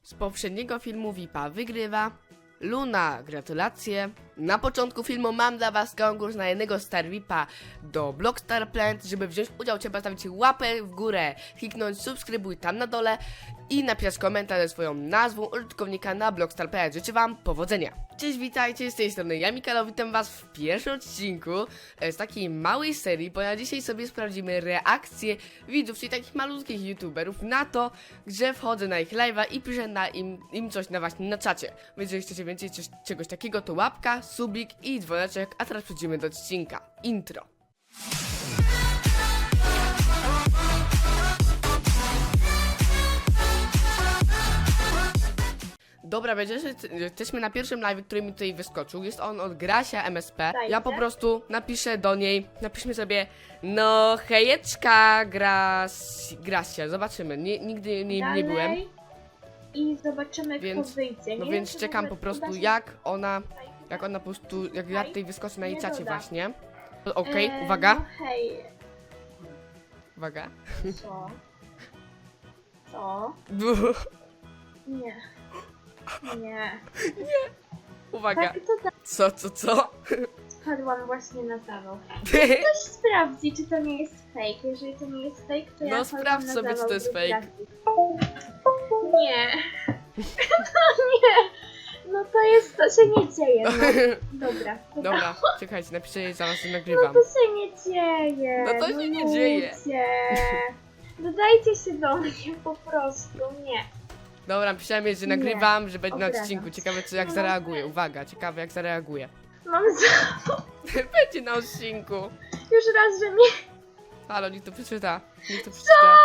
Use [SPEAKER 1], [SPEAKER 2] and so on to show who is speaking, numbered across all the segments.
[SPEAKER 1] Z poprzedniego filmu VIPa wygrywa Luna, gratulacje. Na początku filmu mam dla was konkurs na jednego Star VIPa do Blockstar Plant. Żeby wziąć udział, trzeba stawić łapę w górę, kliknąć subskrybuj tam na dole i napisać komentarz ze swoją nazwą użytkownika na Blockstar Plant. Życzę wam powodzenia. Cześć, witajcie, z tej strony ja, Mikalo, witam was w pierwszym odcinku z takiej małej serii, ponieważ dzisiaj sobie sprawdzimy reakcje widzów, czyli takich malutkich youtuberów na to, że wchodzę na ich live'a i piszę im coś właśnie na czacie. Więc jeżeli chcecie więcej czegoś takiego, to łapka, subik i dzwoneczek, a teraz przejdziemy do odcinka. Intro. Dobra, będzie, że jesteśmy na pierwszym live, który mi tutaj wyskoczył. Jest on od Grasia MSP. Ja po prostu napiszę do niej, napiszmy sobie, no hejeczka, Grasia, zobaczymy. Nigdy nie byłem.
[SPEAKER 2] I zobaczymy,
[SPEAKER 1] Więc,
[SPEAKER 2] kto wyjdzie.
[SPEAKER 1] no więc czekam po prostu, jak ona po prostu, jak ja tutaj wyskoczę na jej czacie właśnie. Okej, uwaga.
[SPEAKER 2] No hej,
[SPEAKER 1] Uwaga.
[SPEAKER 2] co? Co? Nie. Nie.
[SPEAKER 1] Uwaga.
[SPEAKER 2] Tak, to tak.
[SPEAKER 1] Co?
[SPEAKER 2] Wpadłam właśnie na zawał. Ktoś sprawdzi, czy to nie jest fake. Jeżeli to nie jest fake, to ja
[SPEAKER 1] No
[SPEAKER 2] wpadłam
[SPEAKER 1] sprawdź
[SPEAKER 2] na
[SPEAKER 1] sobie, czy
[SPEAKER 2] zawał
[SPEAKER 1] to jest
[SPEAKER 2] drugi
[SPEAKER 1] fake.
[SPEAKER 2] raz. Nie. No nie. No to jest, to się nie dzieje, no. Dobra.
[SPEAKER 1] Dobra, czekajcie, napiszę jej, zaraz
[SPEAKER 2] No
[SPEAKER 1] nagrywam.
[SPEAKER 2] to się nie dzieje.
[SPEAKER 1] No to się nie dzieje.
[SPEAKER 2] Ludzie. Dodajcie się do mnie po prostu, nie.
[SPEAKER 1] Dobra, napisałem jej, że
[SPEAKER 2] Nie,
[SPEAKER 1] nagrywam, że będzie na
[SPEAKER 2] obrażam
[SPEAKER 1] odcinku.
[SPEAKER 2] się.
[SPEAKER 1] Ciekawe, jak
[SPEAKER 2] No.
[SPEAKER 1] zareaguje. Uwaga, ciekawe, jak zareaguje.
[SPEAKER 2] Mam za...
[SPEAKER 1] Będzie na odcinku.
[SPEAKER 2] Już raz, że mnie...
[SPEAKER 1] Halo, niech to przeczyta. Niech to przeczyta.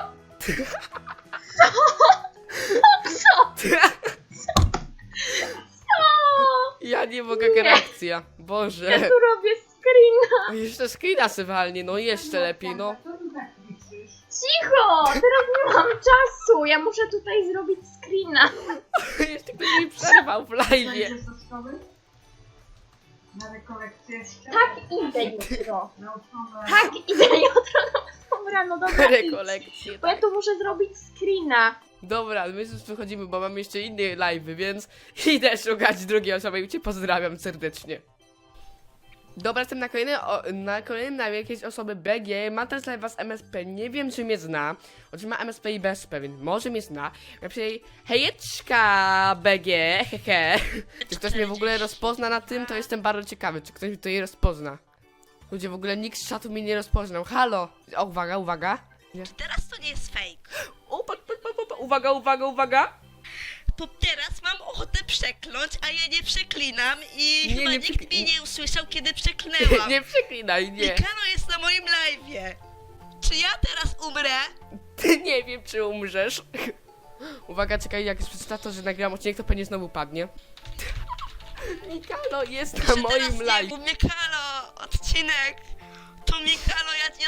[SPEAKER 1] Ja nie mogę, jaka reakcja. Boże.
[SPEAKER 2] Ja tu robię screena.
[SPEAKER 1] O, jeszcze screena se walnie, no jeszcze lepiej, no.
[SPEAKER 2] Cicho! Teraz nie mam czasu. Ja muszę tutaj zrobić screena.
[SPEAKER 1] Jeszcze ktoś mi przerwał w live.
[SPEAKER 3] Będziesz do szkoły? Na rekolekcję jeszcze?
[SPEAKER 2] Tak, idę jutro.
[SPEAKER 3] Na uczone.
[SPEAKER 2] Tak, idę jutro na 8 rano. Dobra, idź.
[SPEAKER 1] Rekolekcje.
[SPEAKER 2] Bo ja tu muszę zrobić screena.
[SPEAKER 1] Dobra, my już wychodzimy, bo mam jeszcze inne live'y, więc idę szukać drugiej osoby i cię pozdrawiam serdecznie. Dobra, jestem na kolejnym live jakiejś osoby BG, ma też live'a z MSP, nie wiem czy mnie zna, oczywiście ma MSP i BSP, więc może mnie zna. Ja piszę jej, hejeczka BG, hehe. Czy ktoś mnie w ogóle rozpozna na tym, to jestem bardzo ciekawy, czy ktoś mnie tutaj rozpozna. Ludzie, w ogóle nikt z czatu mnie nie rozpoznał, halo. O, uwaga. Nie.
[SPEAKER 4] Teraz to nie jest fake.
[SPEAKER 1] O, uwaga.
[SPEAKER 4] Bo teraz mam ochotę przekląć, a ja nie przeklinam i
[SPEAKER 1] Nie,
[SPEAKER 4] chyba
[SPEAKER 1] nie
[SPEAKER 4] nikt
[SPEAKER 1] przekli-
[SPEAKER 4] mnie nie usłyszał, kiedy przeklnęłam.
[SPEAKER 1] Nie przeklinaj, nie.
[SPEAKER 4] Mikano jest na moim live'ie. Czy ja teraz umrę?
[SPEAKER 1] Ty nie wiem, czy umrzesz. Uwaga, czekaj, jak już przeczyta to, że nagram odcinek, to pewnie znowu padnie. Mikalo jest na
[SPEAKER 4] Czy
[SPEAKER 1] moim
[SPEAKER 4] teraz nie,
[SPEAKER 1] live.
[SPEAKER 4] bo Mikalo, odcinek. To Mikalo, ja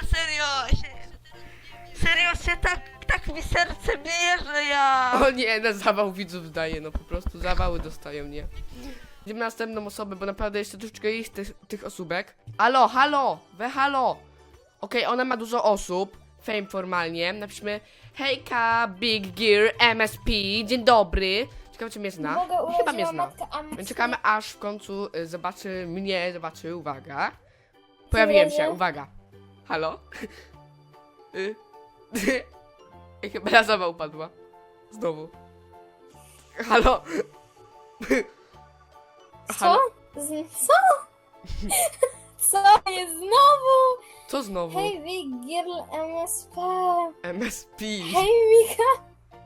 [SPEAKER 4] serio się tak mi serce bije, że ja...
[SPEAKER 1] O nie, na zawał widzów daje, no po prostu zawały dostają, nie. Idziemy na następną osobę, bo naprawdę jeszcze troszeczkę jest tych osóbek. Halo. Okej, ona ma dużo osób. Fame formalnie. Napiszmy hejka, Big Gear, MSP, dzień dobry. Ciekawe, czy mnie zna. Chyba mnie zna. Więc czekamy, aż w końcu zobaczy, uwaga. Pojawiłem się, uwaga. Halo? Chyba na zawał upadła. Znowu. Halo?
[SPEAKER 5] Co? Co? Co jest znowu?
[SPEAKER 1] Co znowu?
[SPEAKER 5] Hej, Big Girl MSP.
[SPEAKER 1] MSP.
[SPEAKER 5] Hej, Mika.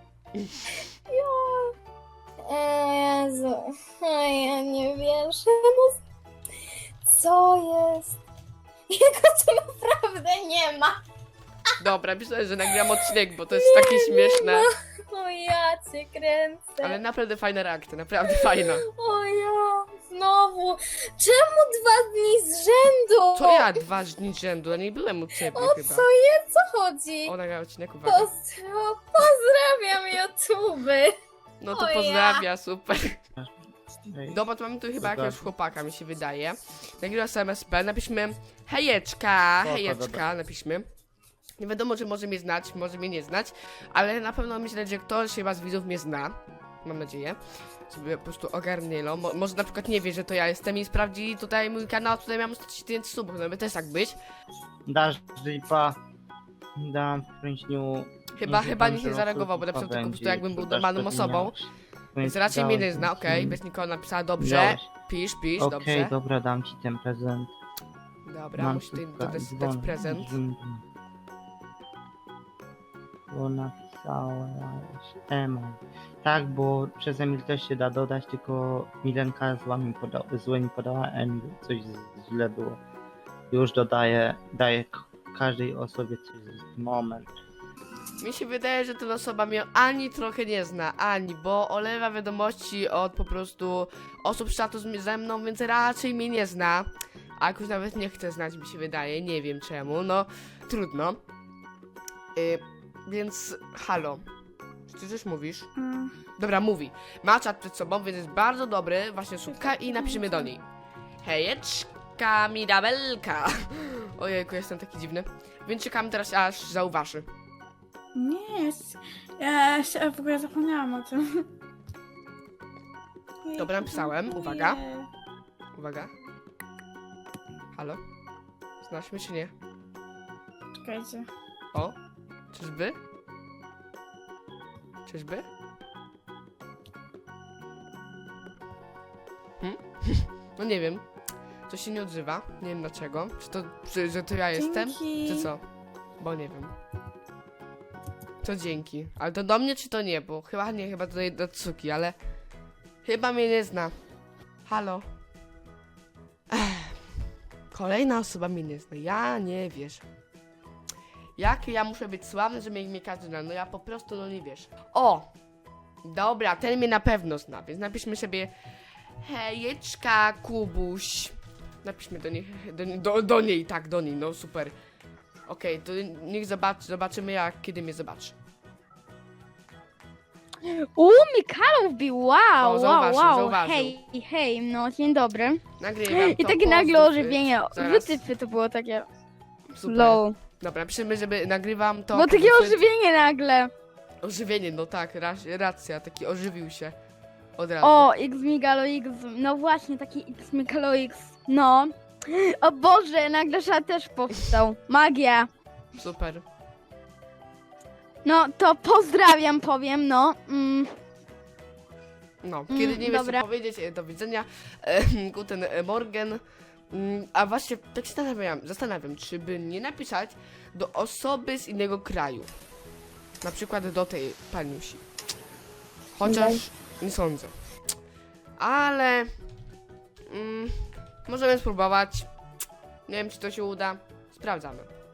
[SPEAKER 5] Jo. Jezu. Ja nie wierzę. No, co jest? Jego tu naprawdę nie ma.
[SPEAKER 1] Dobra, myślę, że nagram odcinek, bo to jest takie śmieszne.
[SPEAKER 5] O ja cię kręcę.
[SPEAKER 1] Ale naprawdę fajna reakcja, naprawdę fajna.
[SPEAKER 5] O ja. Znowu. Czemu 2 dni z rzędu?
[SPEAKER 1] To ja 2 dni z rzędu, a nie byłem u ciebie
[SPEAKER 5] O
[SPEAKER 1] chyba.
[SPEAKER 5] co jest? Co chodzi?
[SPEAKER 1] O, nagrał odcinek, uwaga.
[SPEAKER 5] Pozdrawiam YouTube.
[SPEAKER 1] No to
[SPEAKER 5] o ja.
[SPEAKER 1] pozdrawia, super. Dobra, to mamy tu chyba jakiegoś chłopaka, mi się wydaje. Nagrywa z MSP, napiszmy hejeczka, napiszmy. Nie wiadomo, czy może mnie znać, może mnie nie znać, ale na pewno myślę, że ktoś chyba z widzów mnie zna. mam nadzieję, żeby po prostu ogarnęło. Może na przykład nie wie, że to ja jestem i sprawdzi tutaj mój kanał, tutaj mam 100 000 subów, no by też tak być.
[SPEAKER 6] Dasz dripa. Dam w kręśniu.
[SPEAKER 1] Chyba nikt nie zareagował, bo napisał tylko po prostu jakbym był normalną osobą. Więc raczej mnie nie zna, okej, bez nikogo napisała, dobrze. Pisz,
[SPEAKER 6] Okej,
[SPEAKER 1] dobrze.
[SPEAKER 6] dobra, dam ci ten prezent.
[SPEAKER 1] Dobra, musi tutaj dać prezent.
[SPEAKER 6] Bo napisałeś Emon. Tak, bo przez Emil też się da dodać, tylko Milenka złe mi podała, Emil coś źle było. Już dodaję, daję każdej osobie coś moment.
[SPEAKER 1] Mi się wydaje, że ta osoba mnie ani trochę nie zna, bo olewa wiadomości od po prostu osób z czatu ze mną, więc raczej mnie nie zna. A jakoś nawet nie chce znać, mi się wydaje, nie wiem czemu, no trudno. Więc halo, czy ty coś mówisz? Dobra, mówi. Ma czat przed sobą, więc jest bardzo dobry, właśnie słupka i napiszemy do niej. Hejeczka, Mirabelka. Ojejku, jestem taki dziwny. Więc czekam teraz, aż zauważy.
[SPEAKER 5] Nie, ja się w ogóle zapomniałam o tym.
[SPEAKER 1] Dobra, napisałem, uwaga. Uwaga. Halo? Znasz mnie czy nie?
[SPEAKER 5] Czekajcie.
[SPEAKER 1] O? Czyżby? Czyżby? No nie wiem. Coś się nie odzywa. Nie wiem dlaczego. Że to ja jestem?
[SPEAKER 5] Dzięki.
[SPEAKER 1] Czy co? Bo nie wiem. To dzięki. Ale to do mnie czy to nie? Bo chyba nie, chyba do Tsuki, ale... Chyba mnie nie zna. Halo? Kolejna osoba mnie nie zna. Ja nie wiesz. Jak ja muszę być sławny, żeby mnie każdy zna? No ja po prostu no nie wiesz. O! Dobra, ten mnie na pewno zna, więc napiszmy sobie hejeczka, Kubuś. Napiszmy do niej, do niej, no super. Okej, to niech zobaczymy kiedy mnie zobaczy.
[SPEAKER 7] Mikalo wbił, wow,
[SPEAKER 1] O, zauważył,
[SPEAKER 7] wow,
[SPEAKER 1] zauważył.
[SPEAKER 7] hej, no dzień dobry.
[SPEAKER 1] Nagrywam
[SPEAKER 7] I
[SPEAKER 1] to,
[SPEAKER 7] takie nagle
[SPEAKER 1] pozdrów,
[SPEAKER 7] ożywienie,
[SPEAKER 1] zaraz.
[SPEAKER 7] wytypy to było takie
[SPEAKER 1] Super.
[SPEAKER 7] low.
[SPEAKER 1] Dobra, napiszmy, żeby nagrywam to.
[SPEAKER 7] Bo takie
[SPEAKER 1] pozdrów-
[SPEAKER 7] ożywienie nagle.
[SPEAKER 1] Ożywienie, no tak, racja, taki ożywił się. Od razu.
[SPEAKER 7] O, X Migalo X, no właśnie, taki X Migalo X, no. O Boże, nagle szat też powstał. Magia.
[SPEAKER 1] Super.
[SPEAKER 7] No, to pozdrawiam, powiem, no.
[SPEAKER 1] No, kiedy nie wiesz
[SPEAKER 7] dobra.
[SPEAKER 1] co powiedzieć, do widzenia. Guten Morgen. A właśnie tak się zastanawiam, czy by nie napisać do osoby z innego kraju. Na przykład do tej paniusi. Chociaż nie sądzę. Ale możemy spróbować. Nie wiem, czy to się uda. Sprawdzamy.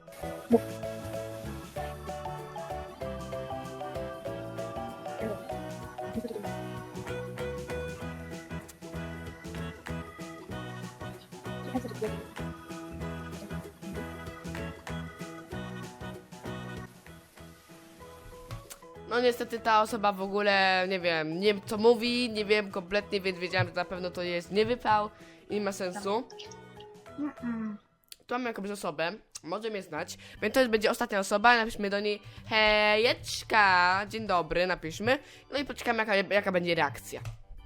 [SPEAKER 1] No niestety ta osoba w ogóle, nie wiem co mówi, nie wiem kompletnie, więc wiedziałem, że na pewno to jest niewypał i nie ma sensu. Tu mamy jakąś osobę, może mnie znać, więc to już będzie ostatnia osoba, napiszmy do niej hejeczka, dzień dobry, napiszmy, no i poczekamy jaka będzie reakcja.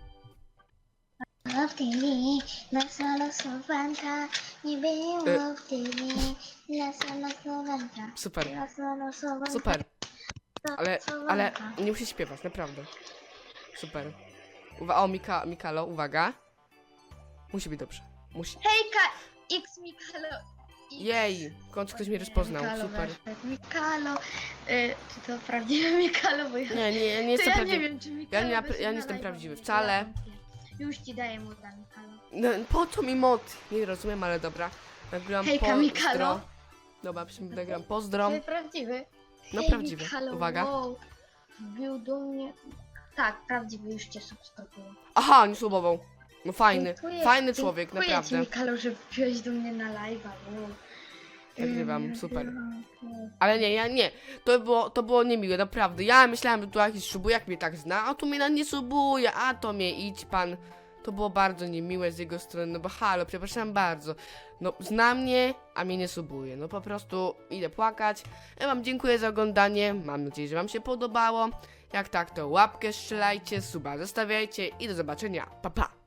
[SPEAKER 8] W TV, losowanka, nie było w TV, losowanka,
[SPEAKER 1] Super,
[SPEAKER 8] losowanka.
[SPEAKER 1] super, ale nie musi śpiewać, naprawdę. Super. O, Mikalo, uwaga. Musi być dobrze, musi.
[SPEAKER 2] Hejka, X Mikalo.
[SPEAKER 1] Jej, w końcu ktoś mnie rozpoznał,
[SPEAKER 2] Mikalo,
[SPEAKER 1] super.
[SPEAKER 2] Mikalo, czy to prawdziwe Mikalo, bo ja...
[SPEAKER 1] Nie
[SPEAKER 2] to
[SPEAKER 1] jestem
[SPEAKER 2] ja
[SPEAKER 1] prawdziwy.
[SPEAKER 2] nie wiem, czy Mikalo
[SPEAKER 1] Ja
[SPEAKER 2] by się
[SPEAKER 1] nie jestem
[SPEAKER 2] nalajwał.
[SPEAKER 1] prawdziwy wcale.
[SPEAKER 2] Już ci daję mu dla Mikalo.
[SPEAKER 1] No, po co mi mod? Nie rozumiem, ale dobra. Nagrywam
[SPEAKER 2] Hejka,
[SPEAKER 1] pozdro.
[SPEAKER 2] Mikalo.
[SPEAKER 1] Dobra, nagrywam pozdro.
[SPEAKER 2] Ty prawdziwy?
[SPEAKER 1] No
[SPEAKER 2] Hej,
[SPEAKER 1] prawdziwy,
[SPEAKER 2] Mikalo,
[SPEAKER 1] uwaga.
[SPEAKER 2] Wow. Wbił do mnie... Tak, prawdziwy, już cię subskrybuję.
[SPEAKER 1] Aha, nie słowował. No fajny,
[SPEAKER 2] Dziękuję,
[SPEAKER 1] fajny człowiek,
[SPEAKER 2] dziękuję
[SPEAKER 1] naprawdę.
[SPEAKER 2] ci, Mikalo, że wbiłeś do mnie na live'a. Wow.
[SPEAKER 1] Nagrywam, super. Ale nie. To było niemiłe, naprawdę. Ja myślałem, że tu jakiś subujak mnie tak zna, a tu mnie nie subuje, a to mnie idź pan. To było bardzo niemiłe z jego strony, no bo halo, przepraszam bardzo. No, zna mnie, a mnie nie subuje. No po prostu idę płakać. Ja wam dziękuję za oglądanie, mam nadzieję, że wam się podobało. Jak tak, to łapkę strzelajcie, suba zostawiajcie i do zobaczenia. Pa, pa!